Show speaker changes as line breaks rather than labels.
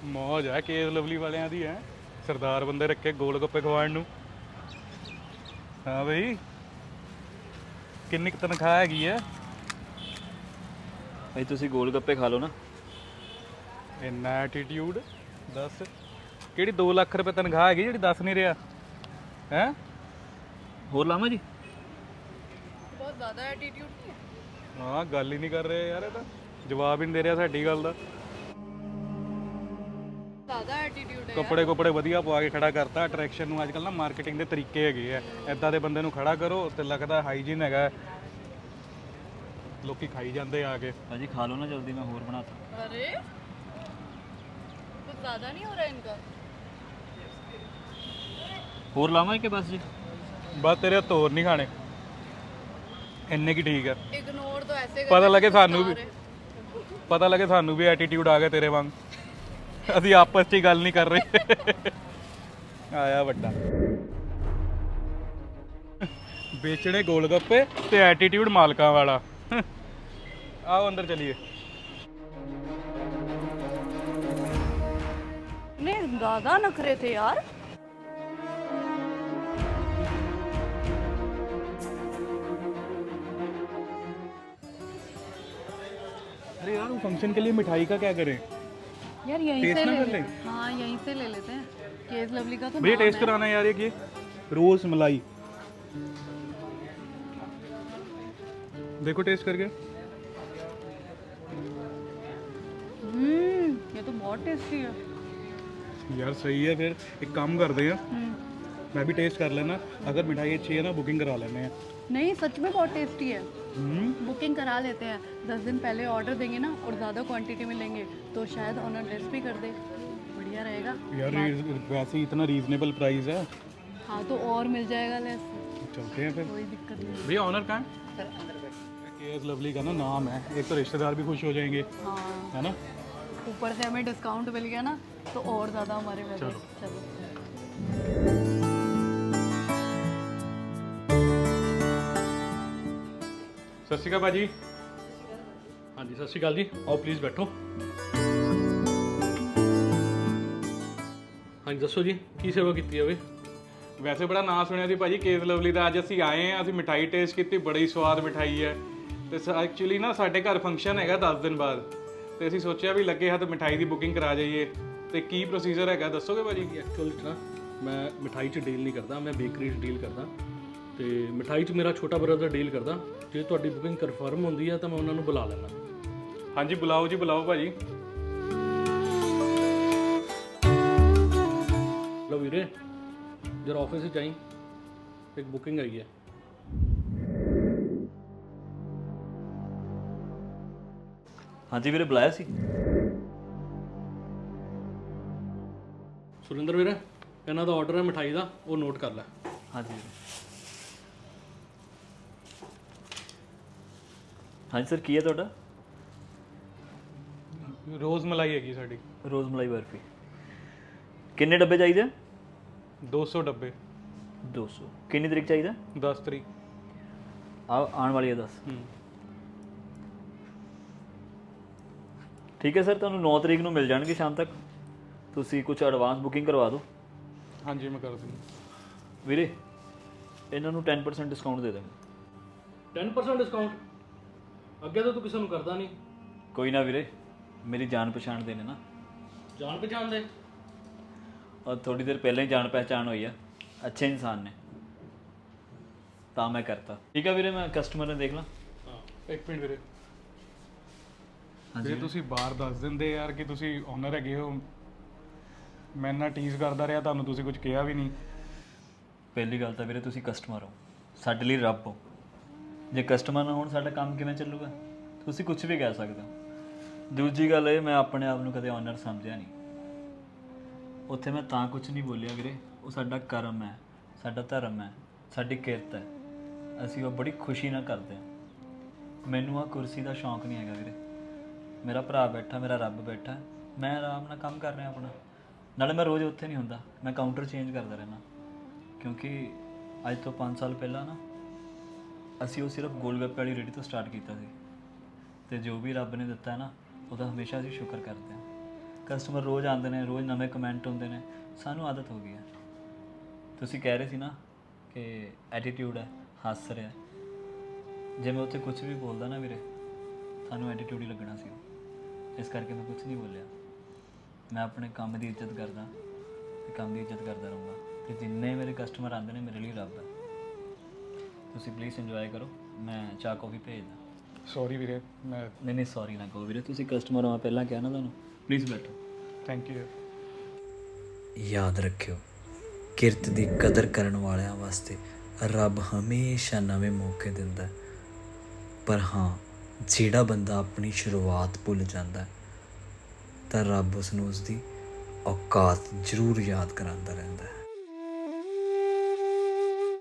ਮੌਜ ਹੈ case Lovely ਵਾਲਿਆਂ ਦੀ ਹੈ। ਸਰਦਾਰ ਬੰਦੇ ਰੱਖੇ ਗੋਲ ਗੱਪੇ ਖਵਾਉਣ ਨੂੰ। ਹਾਂ ਬਈ, ਕਿੰਨੀ ਕੁ ਤਨਖਾਹ ਹੈਗੀ ਹੈ?
ਭਾਈ ਤੁਸੀਂ ਗੋਲ ਗੱਪੇ ਖਾ ਲਓ ਨਾ।
ਇੰਨਾ ਐਟੀਟਿਊਡ ਦੱਸ। ਕਿਹੜੀ 2 ਲੱਖ ਰੁਪਏ ਤਨਖਾਹ ਹੈਗੀ ਜਿਹੜੀ ਦੱਸ ਨਹੀਂ ਰਿਹਾ ਹੈ?
ਹੋਰ ਲਾਵਾਂ ਜੀ?
बहुत ज़्यादा एटीट्यूड नहीं है।
ਹਾਂ, ਗੱਲ ਹੀ ਨਹੀਂ ਕਰ ਰਹੇ ਯਾਰ, ਇਹ ਤਾਂ ਜਵਾਬ ਹੀ ਨਹੀਂ ਦੇ ਰਿਹਾ ਸਾਡੀ ਗੱਲ ਦਾ।
ज़्यादा एटीट्यूड है
ਕੱਪੜੇ ਕੁਪੜੇ ਵਧੀਆ ਪਵਾ ਕੇ ਖੜਾ ਕਰਤਾ। ਅਟਰੈਕਸ਼ਨ ਨੂੰ ਅੱਜ ਕੱਲ੍ਹ ਨਾ ਮਾਰਕੀਟਿੰਗ ਦੇ ਤਰੀਕੇ ਹੈਗੇ ਆ। ਐਦਾਂ ਦੇ ਬੰਦੇ ਨੂੰ ਖੜਾ ਕਰੋ ਤੇ ਲੱਗਦਾ ਹਾਈਜੀਨ ਹੈਗਾ। ਲੋਕੀ ਖਾਈ ਜਾਂਦੇ ਆ ਕੇ।
ਭਾਜੀ ਖਾ ਲਓ ਨਾ ਜਲਦੀ, ਮੈਂ ਹੋਰ ਬਣਾਤਾ।
यार। अरे कुछ ज़्यादा नहीं हो रहा है इनका।
ਹੋਰ ਲਾਵਾਂ ਕਿ ਬਸ ਜੀ?
ਬਸ ਤੇਰੇ ਹੱਥ ਹੋਰ ਨਹੀਂ ਖਾਣੇ, ਇੰਨੇ ਕੀ ਠੀਕ ਹੈ।
इग्नोर तो ऐसे
ਪਤਾ
करते
ਲੱਗੇ
हैं,
ਸਾਨੂੰ ਵੀ,
कुछ खा रहे।
ਪਤਾ ਲੱਗੇ ਸਾਨੂੰ ਵੀ ਐਟੀਟਿਊਡ ਆ ਗਿਆ ਤੇਰੇ ਵਾਂਗ। ਅਸੀਂ ਆਪਸ 'ਚ ਹੀ ਗੱਲ ਨਹੀਂ ਕਰ ਰਹੇ। ਆਇਆ ਵੱਡਾ ਵੇਚਣੇ ਗੋਲ ਗੱਪੇ ਤੇ ਐਟੀਟਿਊਡ ਮਾਲਕਾਂ ਵਾਲਾ। ਆਓ ਅੰਦਰ ਚਲੀਏ।
नहीं ज़्यादा नखरे थे यार।
अरे यार, वो फंक्शन के लिए मिठाई का क्या करें?
यार यहीं
टेस्ट
से
ना
ले
कर
ले।
लें?
हाँ यहीं से ले लेते हैं। केस लवली का तो
भैया
नाम
टेस्ट
है।
कराना है यार, ये रोज मलाई। देखो टेस्ट करके।
ये तो बहुत टेस्टी है।
यार सही है, फिर एक काम करते हैं, मैं भी टेस्ट कर लेना। अगर मिठाई अच्छी है ना, बुकिंग करा लेने हैं।
नहीं सच में बहुत टेस्टी है। बुकिंग करा लेते हैं। 10 दिन पहले ऑर्डर देंगे ना और ज़्यादा क्वांटिटी में लेंगे तो शायद ऑनर लेस भी कर दे। बढ़िया रहेगा।
यार वैसे ही इतना रीजनेबल प्राइस है।
हाँ तो और मिल जाएगा लेस।
चलते हैं फिर।
कोई दिक्कत नहीं।
भैया ऑनर कहाँ है? केएस लवली का ना नाम है, एक तो रिश्तेदार भी खुश हो जाएंगे,
हाँ
है ना।
ऊपर से हमें डिस्काउंट मिल गया ना तो और ज़्यादा हमारे में।
चलो।
चलो।
ਸਤਿ ਸ਼੍ਰੀ ਅਕਾਲ ਭਾਜੀ।
ਹਾਂਜੀ ਸਤਿ ਸ਼੍ਰੀ ਅਕਾਲ ਜੀ, ਆਓ ਪਲੀਜ਼ ਬੈਠੋ। ਹਾਂਜੀ ਦੱਸੋ ਜੀ, ਕੀ ਸੇਵਾ ਕੀਤੀ ਜਾਵੇ?
ਵੈਸੇ ਬੜਾ ਨਾਂ ਸੁਣਿਆ ਸੀ ਭਾਜੀ ਕੇਸ ਲਵਲੀ ਦਾ। ਅੱਜ ਅਸੀਂ ਆਏ ਹਾਂ, ਅਸੀਂ ਮਿਠਾਈ ਟੇਸਟ ਕੀਤੀ, ਬੜੀ ਸਵਾਦ ਮਿਠਾਈ ਹੈ। ਤੇ ਐਕਚੁਅਲੀ ਨਾ ਸਾਡੇ ਘਰ ਫੰਕਸ਼ਨ ਹੈਗਾ 10 ਦਿਨ ਬਾਅਦ, ਤੇ ਅਸੀਂ ਸੋਚਿਆ ਵੀ ਲੱਗੇ ਹੱਥ ਮਿਠਾਈ ਦੀ ਬੁਕਿੰਗ ਕਰਾ ਜਾਈਏ। ਤੇ ਕੀ ਪ੍ਰੋਸੀਜਰ ਹੈਗਾ ਦੱਸੋਗੇ ਭਾਜੀ?
ਐਕਚੁਅਲ 'ਚ ਨਾ ਮੈਂ ਮਿਠਾਈ 'ਚ ਡੀਲ ਨਹੀਂ ਕਰਦਾ, ਮੈਂ ਬੇਕਰੀ 'ਚ ਡੀਲ ਕਰਦਾ। ਤੇ ਮਿਠਾਈ 'ਚ ਮੇਰਾ ਛੋਟਾ ਬ੍ਰਦਰ ਡੀਲ ਕਰਦਾ। ਜੇ ਤੁਹਾਡੀ ਬੁਕਿੰਗ ਕਨਫਰਮ ਹੁੰਦੀ ਹੈ ਤਾਂ ਮੈਂ ਉਹਨਾਂ ਨੂੰ ਬੁਲਾ ਲੈਣਾ।
ਹਾਂਜੀ ਬੁਲਾਓ ਜੀ, ਬੁਲਾਓ ਭਾਜੀ।
ਲਓ ਵੀਰੇ, ਜਰਾ ਆਫਿਸ 'ਚ ਜਾਈਂ, ਇੱਕ ਬੁਕਿੰਗ ਆਈ ਹੈ।
ਹਾਂਜੀ ਵੀਰੇ, ਬੁਲਾਇਆ ਸੀ।
ਸੁਰਿੰਦਰ ਵੀਰੇ, ਇਹਨਾਂ ਦਾ ਆਰਡਰ ਹੈ ਮਿਠਾਈ ਦਾ, ਉਹ ਨੋਟ ਕਰ ਲੈ।
ਹਾਂਜੀ ਵੀਰੇ। ਹਾਂਜੀ ਸਰ, ਕੀ ਹੈ ਤੁਹਾਡਾ?
ਰੋਜ਼ ਮਲਾਈ ਹੈਗੀ ਸਾਡੀ।
ਰੋਜ਼ ਮਲਾਈ ਬਰਫੀ। ਕਿੰਨੇ ਡੱਬੇ ਚਾਹੀਦੇ?
200 ਡੱਬੇ।
200। ਕਿੰਨੀ ਤਰੀਕ ਚਾਹੀਦਾ?
10 ਤਰੀਕ।
ਆਉਣ ਵਾਲੀ ਹੈ 10। ਠੀਕ ਹੈ ਸਰ, ਤੁਹਾਨੂੰ 9 ਤਰੀਕ ਨੂੰ ਮਿਲ ਜਾਣਗੇ ਸ਼ਾਮ ਤੱਕ। ਤੁਸੀਂ ਕੁਝ ਐਡਵਾਂਸ ਬੁਕਿੰਗ ਕਰਵਾ ਦਿਓ।
ਹਾਂਜੀ ਮੈਂ ਕਰ ਦਿੰਦਾ।
ਵੀਰੇ, ਇਹਨਾਂ ਨੂੰ 10% ਡਿਸਕਾਊਂਟ ਦੇ ਦਾਂਗੇ।
10% ਡਿਸਕਾਊਂਟ? ਅੱਗੇ ਤਾਂ ਤੂੰ ਕਿਸੇ ਨੂੰ ਕਰਦਾ ਨਹੀਂ।
ਕੋਈ ਨਾ ਵੀਰੇ, ਮੇਰੀ ਜਾਣ ਪਛਾਣ ਦੇ ਨੇ ਨਾ।
ਜਾਣ ਪਛਾਣ ਦੇ?
ਔਰ ਥੋੜੀ ਦੇਰ ਪਹਿਲਾਂ ਹੀ ਜਾਣ ਪਹਿਚਾਣ ਹੋਈ ਆ, ਅੱਛੇ ਇਨਸਾਨ ਨੇ, ਤਾਂ ਮੈਂ ਕਰਤਾ। ਠੀਕ ਆ ਵੀਰੇ, ਮੈਂ ਕਸਟਮਰ ਨੇ ਦੇਖ ਲਾਂ।
ਹਾਂ
ਇੱਕ ਮਿੰਟ ਵੀਰੇ।
ਹਾਂਜੀ
ਜੇ ਤੁਸੀਂ ਬਾਹਰ ਦੱਸ ਦਿੰਦੇ ਯਾਰ ਕਿ ਤੁਸੀਂ ਓਨਰ ਹੈਗੇ ਹੋ, ਮੈਂ ਨਾ ਟੀਜ਼ ਕਰਦਾ ਰਿਹਾ ਤੁਹਾਨੂੰ, ਤੁਸੀਂ ਕੁਝ ਕਿਹਾ ਵੀ ਨਹੀਂ।
ਪਹਿਲੀ ਗੱਲ ਤਾਂ ਵੀਰੇ ਤੁਸੀਂ ਕਸਟਮਰ ਹੋ, ਸਾਡੇ ਲਈ ਰੱਬ ਹੋ। ਜੇ ਕਸਟਮਰ ਨਾ ਹੋਣ ਸਾਡਾ ਕੰਮ ਕਿਵੇਂ ਚੱਲੂਗਾ? ਤੁਸੀਂ ਕੁਝ ਵੀ ਕਹਿ ਸਕਦੇ ਹੋ। ਦੂਜੀ ਗੱਲ ਇਹ, ਮੈਂ ਆਪਣੇ ਆਪ ਨੂੰ ਕਦੇ ਓਨਰ ਸਮਝਿਆ ਨਹੀਂ। ਉੱਥੇ ਮੈਂ ਤਾਂ ਕੁਝ ਨਹੀਂ ਬੋਲਿਆ ਵੀਰੇ, ਉਹ ਸਾਡਾ ਕਰਮ ਹੈ, ਸਾਡਾ ਧਰਮ ਹੈ, ਸਾਡੀ ਕਿਰਤ ਹੈ। ਅਸੀਂ ਉਹ ਬੜੀ ਖੁਸ਼ੀ ਨਾਲ ਕਰਦੇ ਹਾਂ। ਮੈਨੂੰ ਆ ਕੁਰਸੀ ਦਾ ਸ਼ੌਂਕ ਨਹੀਂ ਹੈਗਾ ਵੀਰੇ। ਮੇਰਾ ਭਰਾ ਬੈਠਾ, ਮੇਰਾ ਰੱਬ ਬੈਠਾ, ਮੈਂ ਆਰਾਮ ਨਾਲ ਕੰਮ ਕਰ ਰਿਹਾ ਆਪਣਾ। ਨਾਲੇ ਮੈਂ ਰੋਜ਼ ਉੱਥੇ ਨਹੀਂ ਹੁੰਦਾ, ਮੈਂ ਕਾਊਂਟਰ ਚੇਂਜ ਕਰਦਾ ਰਹਿਣਾ। ਕਿਉਂਕਿ ਅੱਜ ਤੋਂ 5 ਸਾਲ ਪਹਿਲਾਂ ਨਾ ਅਸੀਂ ਉਹ ਸਿਰਫ ਗੋਲਗੱਪੇ ਵਾਲੀ ਰੇਹੜੀ ਤੋਂ ਸਟਾਰਟ ਕੀਤਾ ਸੀ। ਅਤੇ ਜੋ ਵੀ ਰੱਬ ਨੇ ਦਿੱਤਾ ਨਾ, ਉਹਦਾ ਹਮੇਸ਼ਾ ਅਸੀਂ ਸ਼ੁਕਰ ਕਰਦੇ ਹਾਂ। ਕਸਟਮਰ ਰੋਜ਼ ਆਉਂਦੇ ਨੇ, ਰੋਜ਼ ਨਵੇਂ ਕਮੈਂਟ ਹੁੰਦੇ ਨੇ, ਸਾਨੂੰ ਆਦਤ ਹੋ ਗਈ ਹੈ। ਤੁਸੀਂ ਕਹਿ ਰਹੇ ਸੀ ਨਾ ਕਿ ਐਟੀਟਿਊਡ ਹੈ, ਹੱਸ ਰਿਹਾ। ਜੇ ਮੈਂ ਉੱਥੇ ਕੁਝ ਵੀ ਬੋਲਦਾ ਨਾ ਵੀਰੇ, ਤੁਹਾਨੂੰ ਐਟੀਟਿਊਡ ਹੀ ਲੱਗਣਾ ਸੀ। ਇਸ ਕਰਕੇ ਮੈਂ ਕੁਝ ਨਹੀਂ ਬੋਲਿਆ। ਮੈਂ ਆਪਣੇ ਕੰਮ ਦੀ ਇੱਜ਼ਤ ਕਰਦਾ ਤੇ ਕੰਮ ਦੀ ਇੱਜ਼ਤ ਕਰਦਾ ਰਹੂੰਗਾ, ਤੇ ਜਿੰਨੇ ਮੇਰੇ ਕਸਟਮਰ ਆਉਂਦੇ ਨੇ ਮੇਰੇ ਲਈ ਰੱਬ ਹੈ। ਤੁਸੀਂ ਪਲੀਜ਼ ਇੰਜੋਏ ਕਰੋ, ਮੈਂ ਚਾਹ ਕੌਫੀ ਭੇਜਦਾ।
ਸੌਰੀ ਵੀਰੇ, ਮੈਂ
ਨਹੀਂ ਸੌਰੀ ਨਾ ਕਹੋ ਵੀਰੇ, ਤੁਸੀਂ ਕਸਟਮਰ ਹੋ, ਪਹਿਲਾਂ ਕਿਹਾ ਨਾ ਤੁਹਾਨੂੰ। ਪਲੀਜ਼ ਬੈਠੋ।
Thank you.
ਯਾਦ ਰੱਖਿਓ, ਕਿਰਤ ਦੀ ਕਦਰ ਕਰਨ ਵਾਲਿਆਂ ਵਾਸਤੇ ਰੱਬ ਹਮੇਸ਼ਾ ਨਵੇਂ ਮੌਕੇ ਦਿੰਦਾ ਹੈ। ਪਰ ਹਾਂ, ਜਿਹੜਾ ਬੰਦਾ ਆਪਣੀ ਸ਼ੁਰੂਆਤ ਭੁੱਲ ਜਾਂਦਾ ਹੈ, ਤਾਂ ਰੱਬ ਉਸ ਨੂੰ ਉਸਦੀ ਔਕਾਤ ਜ਼ਰੂਰ ਯਾਦ ਕਰਾਉਂਦਾ ਰਹਿੰਦਾ ਹੈ।